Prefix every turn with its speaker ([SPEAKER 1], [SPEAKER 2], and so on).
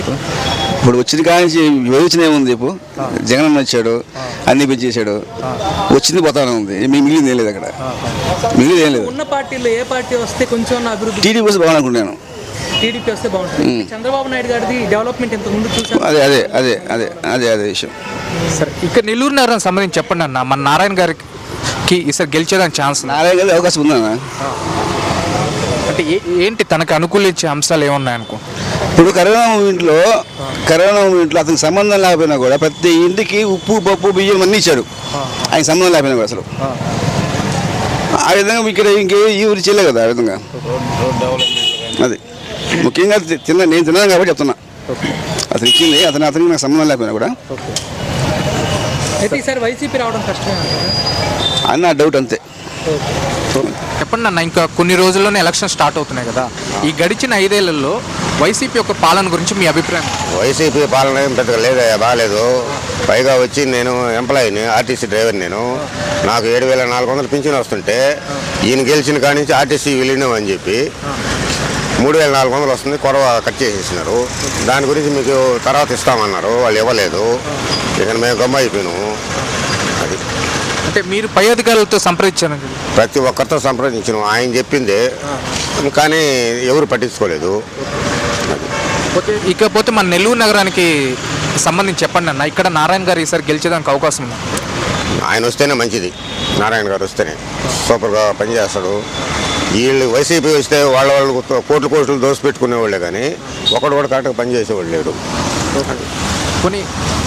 [SPEAKER 1] ఇప్పుడు వచ్చిన కానీ యోచన ఏముంది ఇప్పుడు జగన్ వచ్చాడు అన్ని పెంచేశాడు వచ్చింది పోతానే ఉంది మిగిలింది ఏం లేదు అక్కడ మిగిలింది ఏం లేదు.
[SPEAKER 2] ఉన్న పార్టీలో ఏ పార్టీ వస్తే కొంచెం అభివృద్ధి
[SPEAKER 1] టీడీపీ వస్తే బాగాలనుకుంటున్నాను.
[SPEAKER 2] టీడీపీ వస్తే బాగుంటుంది. చంద్రబాబు నాయుడు గారిది డెవలప్మెంట్ ఇంతకు ముందు చూసాను.
[SPEAKER 1] అదే అదే అదే అదే అదే అదే విషయం.
[SPEAKER 3] సరే ఇక్కడ నెల్లూరు నగరం సంబంధించి చెప్పండి అన్న, మన నారాయణ గారికి ఈసారి గెలిచేదానికి ఛాన్స్
[SPEAKER 1] నారాయణ గారి అవకాశం ఉందన్న.
[SPEAKER 3] అంటే ఏంటి తనకు అనుకూలించే అంశాలు ఏమున్నాయనుకో?
[SPEAKER 1] ఇప్పుడు కరోనా మూమెంట్లో అతనికి సంబంధం లేకపోయినా కూడా ప్రతి ఇంటికి ఉప్పు పప్పు బియ్యం అన్నీ ఇచ్చాడు. ఆయన సంబంధం లేకపోయినా కూడా అసలు ఆ విధంగా ఇక్కడ ఇంకే ఈ ఊరి చేయలే కదా. ఆ విధంగా అది ముఖ్యంగా నేను తిన్నాను కాబట్టి చెప్తున్నా. అతను ఇచ్చింది అతనికి నాకు సంబంధం లేకపోయినా కూడా
[SPEAKER 2] అయితే ఈసారి వైసీపీ రావడం కష్టమే
[SPEAKER 1] అని నా డౌట్ అంతే.
[SPEAKER 3] చెప్పండి అన్న, ఇంకా కొన్ని రోజుల్లోనే ఎలక్షన్ స్టార్ట్ అవుతున్నాయి కదా, ఈ గడిచిన 5 ఏళ్లలో వైసీపీ యొక్క పాలన గురించి మీ అభిప్రాయం?
[SPEAKER 4] వైసీపీ పాలన ఏం పెద్దగా లేదయ్యా, బాగాలేదు. పైగా వచ్చి నేను ఎంప్లాయీని, ఆర్టీసీ డ్రైవర్. నాకు 7,400 పింఛన్ వస్తుంటే ఈయన గెలిచిన కాడి నుంచి ఆర్టీసీ విలీనం అని చెప్పి 3,400 వస్తుంది, కొరవ కట్ చేసేసినారు. దాని గురించి మీకు తర్వాత ఇస్తామన్నారు, వాళ్ళు ఇవ్వలేదు. ఇక మేము గమ్మ అయిపోయినాము. అది
[SPEAKER 3] అంటే మీరు పై అధికారులతో సంప్రదించారు?
[SPEAKER 4] ప్రతి ఒక్కరితో సంప్రదించినాం, ఆయన చెప్పింది, కానీ ఎవరు పట్టించుకోలేదు.
[SPEAKER 3] ఇకపోతే మన నెల్లూరు నగరానికి సంబంధించి చెప్పండి అన్న, ఇక్కడ నారాయణ గారు ఈసారి గెలిచేదానికి అవకాశం ఉంది?
[SPEAKER 4] ఆయన వస్తేనే మంచిది. నారాయణ గారు వస్తేనే సూపర్గా పనిచేస్తాడు. వీళ్ళు వైసీపీ వస్తే వాళ్ళు కోట్లు దోసి పెట్టుకునేవాళ్ళే, కానీ ఒకడు కూడా కరెక్ట్గా పనిచేసేవాళ్ళు లేడు.
[SPEAKER 3] కొన్ని